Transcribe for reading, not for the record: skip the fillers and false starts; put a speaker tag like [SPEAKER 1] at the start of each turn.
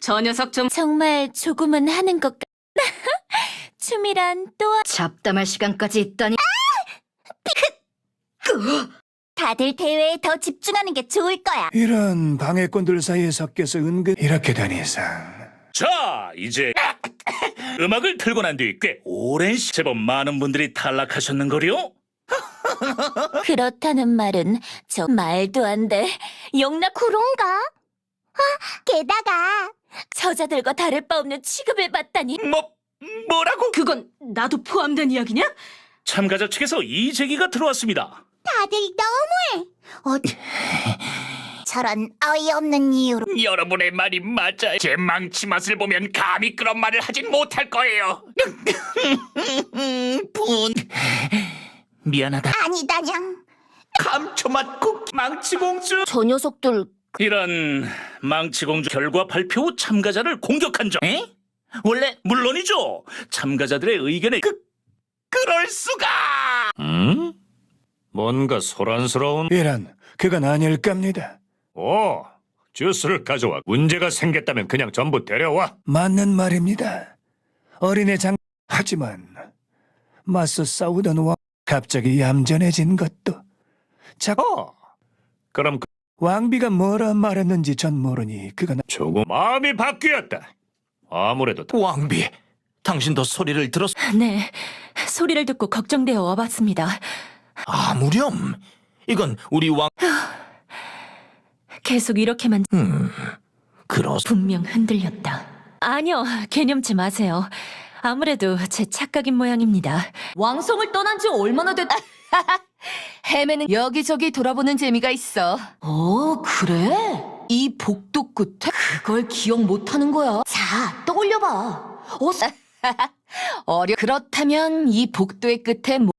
[SPEAKER 1] 저 녀석 좀
[SPEAKER 2] 정말 조금은 하는 것 같... 춤이란 또...
[SPEAKER 1] 잡담할 시간까지 있다니.
[SPEAKER 2] 다들 대회에 더 집중하는 게 좋을 거야.
[SPEAKER 3] 이런 방해꾼들 사이에 섞여서 은근 이렇게 된 이상
[SPEAKER 4] 자, 이제 음악을 틀고 난 뒤 꽤 오랜 제법 많은 분들이 탈락하셨는걸요?
[SPEAKER 2] 그렇다는 말은 저 말도 안 돼. 영락 그런가? 게다가 저자들과 다를 바 없는 취급을 받다니.
[SPEAKER 4] 뭐라고?
[SPEAKER 1] 그건 나도 포함된 이야기냐?
[SPEAKER 4] 참가자 측에서 이 제기가 들어왔습니다.
[SPEAKER 2] 다들 너무해. 저런 어이없는 이유로.
[SPEAKER 4] 여러분의 말이 맞아요. 제 망치 맛을 보면 감히 그런 말을 하진 못할 거예요. 미안하다.
[SPEAKER 2] 아니다냥.
[SPEAKER 4] 감초맛 쿠키 망치공주.
[SPEAKER 2] 저 녀석들
[SPEAKER 4] 이런 망치공주 결과 발표 후 참가자를 공격한 점. 에? 원래 물론이죠. 참가자들의 의견에 그럴 수가.
[SPEAKER 5] 뭔가 소란스러운...
[SPEAKER 3] 이런 그건 아닐 겁니다.
[SPEAKER 5] 오, 주스를 가져와. 문제가 생겼다면 그냥 전부 데려와.
[SPEAKER 3] 맞는 말입니다. 어린애 장 하지만 맞서 싸우던 왕 갑자기 얌전해진 것도
[SPEAKER 5] 그럼
[SPEAKER 3] 왕비가 뭐라 말했는지 전 모르니 그건
[SPEAKER 5] 조금 마음이 바뀌었다. 아무래도
[SPEAKER 6] 왕비, 당신도 소리를 들었...
[SPEAKER 1] 네, 소리를 듣고 걱정되어 와봤습니다.
[SPEAKER 6] 아무렴. 이건 우리 왕...
[SPEAKER 1] 계속 이렇게만
[SPEAKER 6] 그렇...
[SPEAKER 1] 분명 흔들렸다. 아니요, 개념치 마세요. 아무래도 제 착각인 모양입니다. 왕성을 떠난 지 얼마나 됐... 헤매는 여기저기 돌아보는 재미가 있어. 그래? 이 복도 끝에? 그걸 기억 못하는 거야. 자, 떠올려봐. 그렇다면 이 복도의 끝에